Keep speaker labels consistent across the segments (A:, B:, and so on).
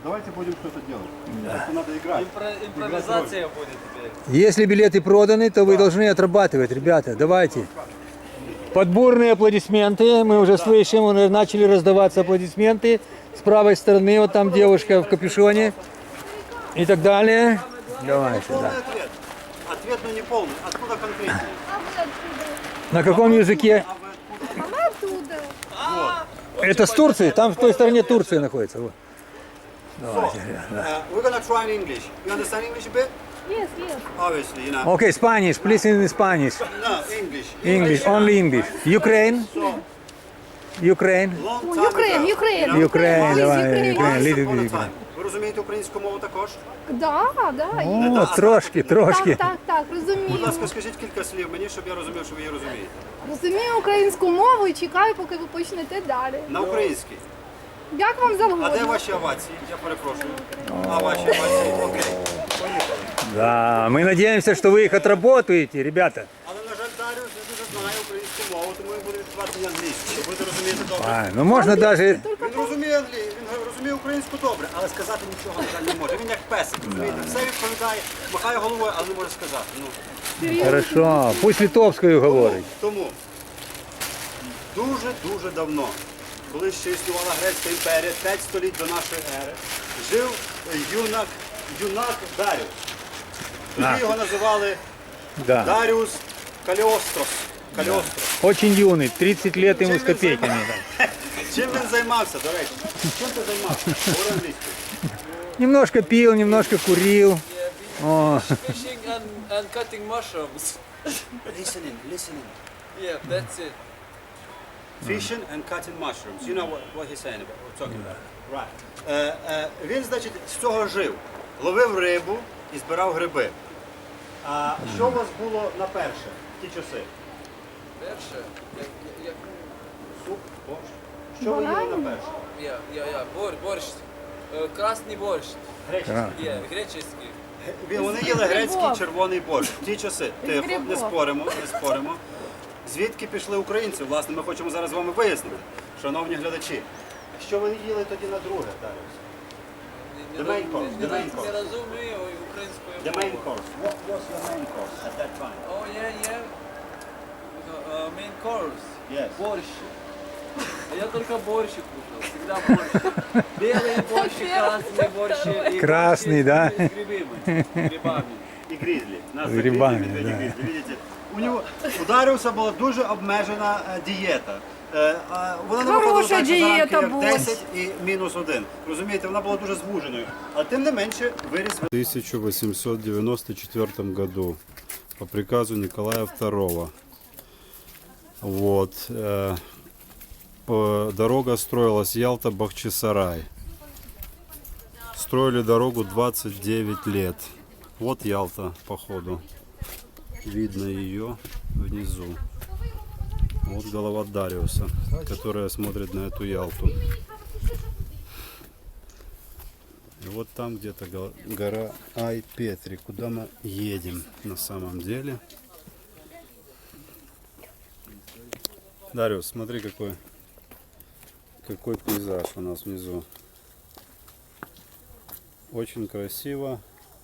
A: Давайте будем что-то делать. Просто надо играть.
B: Импровизация будет теперь.
C: Если билеты проданы, то вы должны отрабатывать, ребята. Давайте. Подборные аплодисменты. Мы уже слышим, уже начали раздаваться аплодисменты. С правой стороны, вот там девушка в капюшоне. И так далее. Давайте,
A: Полный
C: да.
A: ответ. Ответ, но не полный. Откуда конкретнее?
C: На каком языке?
A: А вы откуда?
D: Оттуда.
C: Это с Турции, там в той стороне Турция находится. Вот. Давайте, да.
A: We're gonna try in English. You understand English a bit?
D: Yes, yes.
A: Obviously, you know.
C: Okay, Spanish, please in Spanish.
A: No, English.
C: English, only English. Ukraine?
A: So,
C: Ukraine?
A: long time
D: Ukraine,
A: ago,
D: Ukraine.
A: you know,
C: Ukraine,
D: Please,
C: давай,
D: Ukraine.
C: Ukraine,
A: once
C: little
A: upon a
C: bit.
A: time. Ви розумієте українську мову також?
D: Да, да.
C: О, трошки, трошки.
D: Так,
A: Будь
D: розумію.
A: ласка, скажіть кілька слів мені, щоб я розумів, що ви її розумієте.
D: Розумію українську мову і чекаю, поки ви почнете далі.
A: На українській.
D: Як вам
A: А де
D: завгодно.
A: ваші овації? Я перепрошую. А ваші овації? Окей. Поїхали.
C: Да, мы надеемся, что вы их отработаете, ребята.
A: Але, на жаль, Даріус не дуже знає українську мову, тому він буде відкривати на англійську. Ви будете розуміти добре.
C: А, ну можно даже...
A: Він розуміє він розуміє українську добре, але сказати нічого, на жаль, не може. Він як песик, розумієте? Все відповідає, махає головою, але не може сказати. Ну,
C: Хорошо, пусть литовскую говорить.
A: тому дуже давно, коли ще існувала Грецька імперія, 5 століть до нашої ери, жив юнак Даріус. Тоді його називали
C: Да.
A: Даріус Каліострос. Каліострос.
C: Очень юный, 30 лет ему с копейками. Да.
A: Чим він займався, до речі? Чим ти займався? Говори англійською.
C: Немножко пил, немножко курил. О,
B: Fishing and cutting mushrooms.
A: Listening.
B: Yeah, that's it.
A: Fishing and cutting mushrooms. You know what he's saying about, what we're talking about. Right. Він, значить, з цього жив. Ловив рибу і збирав гриби. А що у вас було на перше в ті часи?
B: Перше. Як...
A: Суп, борщ. Що ви їли на перше?
B: Борщ. Красний борщ.
A: Греческий.
B: Греческий.
A: Вони їли грецький
D: грибов.
A: червоний борщ. В ті часи. Тихо, не
D: грибов.
A: споримо. Звідки пішли українці? Власне, ми хочемо зараз з вами вияснити, шановні глядачі. Що ви їли тоді на друге, Даріус? The main course, the main course.
B: Не розумію українською
A: The main
B: мовою.
A: course. What was your main course at that time?
B: Oh, yeah. Main course.
A: Yes.
B: Борщ. Я только борщ кушал, всегда борщ. Белый борщ, и красный борщ. И
C: Красный,
B: борщ
C: да?
B: с грибами.
A: І грізлі. Нас
C: З грибами,
A: медведі,
C: да.
A: грізлі. Видите? У Даріуса була дуже обмежена дієта. Вона не виходила
D: Хороша
A: так, що
D: дієта
A: заранки як
D: була.
A: 10 і -1. Розумієте, вона була дуже звуженою. Але тим не менше виріс. В 1894 году по приказу Николая II. Вот. Дорога строилась Ялта-Бахчисарай. Строили дорогу 29 лет. Вот Ялта, походу. Видно ее внизу. Вот голова Дариуса, которая смотрит на эту Ялту. И вот там где-то гора Ай-Петри, куда мы едем на самом деле. Дариус, смотри, какой пейзаж у нас внизу. Очень красиво,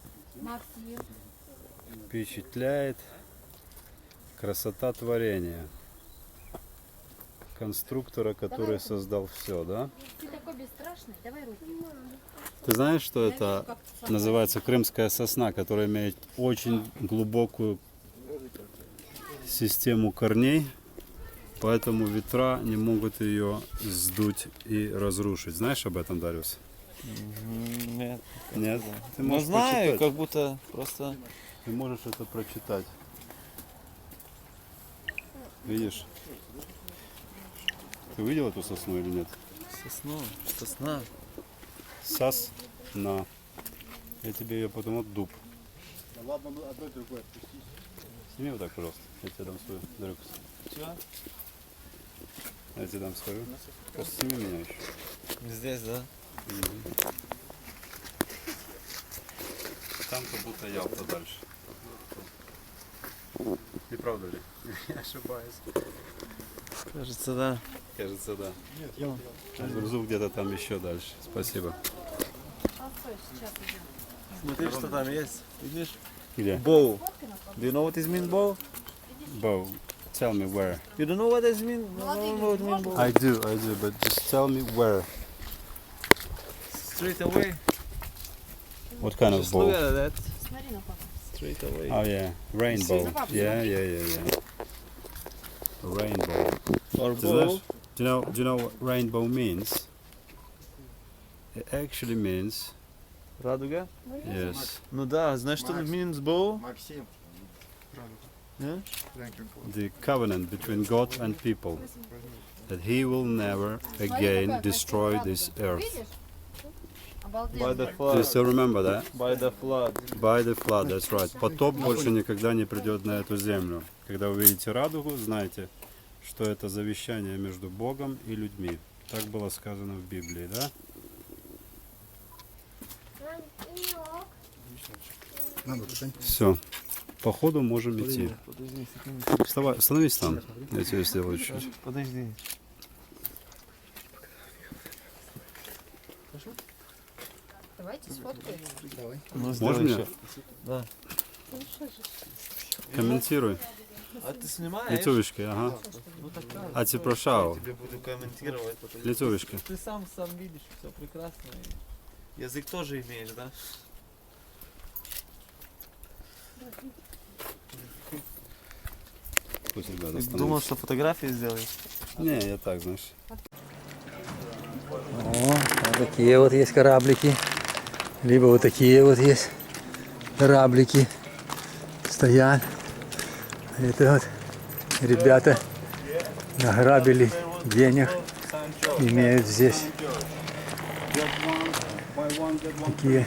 A: впечатляет. Красота творения. Конструктора, который создал все, да?
E: Ты такой бесстрашный, давай руки.
A: Ты знаешь, что это называется крымская сосна, которая имеет очень глубокую систему корней, поэтому ветра не могут ее сдуть и разрушить. Знаешь об этом, Дариус?
B: Нет.
A: Нет? Ты
B: Ну
A: можешь
B: знаю,
A: прочитать.
B: как будто просто...
A: Ты можешь это прочитать. Видишь? Ты видел эту сосну или нет?
B: Сосна.
A: Сосна. Я тебе ее потом от дуб. Сними вот так, пожалуйста. Я тебе дам свою дорогу. Я тебе дам свою. Просто сними меня еще.
B: Здесь, да?
A: Там как будто Ялта дальше. Не правда ли? Я ошибаюсь.
B: Кажется, да.
A: Кажется, да. Нет, я грузу где-то там еще дальше. Спасибо.
E: Сейчас идем.
B: Смотри, что там есть. Видишь?
A: Где?
B: Bow. Do you know what is mean bow?
A: Bow. Tell me where.
B: You don't know what is mean? No, no, what mean bow.
A: I do, but just tell me where.
B: Straight away.
A: What kind of
B: Just look
A: bow?
B: at that.
E: Смотри на папу.
B: Straight away.
A: Oh yeah, rainbow. Yeah. Rainbow.
B: Or
A: Ты
B: bow.
A: знаешь, do you know what rainbow means? It actually means
B: Радуга?
A: yes,
B: Ну да, знаешь, что means bow?
F: Максим.
B: Yeah?
A: the covenant between God and people, that He will never again destroy this earth.
E: Видишь?
B: By
E: Обалденно.
B: the
A: Do you
B: flood.
A: still remember that?
B: By the flood.
A: By the flood, that's right. Потоп больше никогда не придет на эту землю. Когда вы видите радугу, знайте, что это завещание между Богом и людьми. Так было сказано в Библии, да? Все. По ходу можем идти.
B: Подожди секунду.
A: Вставай, становись там. Я тебе сделаю чуть-чуть.
B: Подожди.
E: Давайте сфоткаем.
B: Ну,
A: Можно
B: сделай
A: мне?
B: еще. Да.
A: Комментируй.
B: А ты снимаешь?
A: Лицевочки, ага.
B: Ну такая.
A: А ти прошав.
B: Я тебе буду комментировать. Потом.
A: Лицевочки.
B: Ты сам видишь, все прекрасно. И язык тоже имеешь, да?
A: Пусть ребята
B: Ты думал,
A: становятся.
B: что фотографии сделаешь?
A: Не, я так, знаешь.
C: О, вот такие вот есть кораблики. Либо вот такие вот есть кораблики. Стоят. Это вот ребята награбили денег. Имеют здесь такие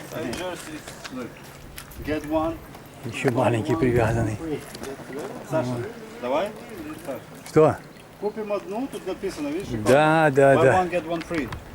A: Get one.
C: еще маленькие привязанные.
A: Саша, давай.
C: Что?
A: Купим одну, тут написано, видишь?
C: Да, да,
A: Buy
C: да.
A: one, get one free.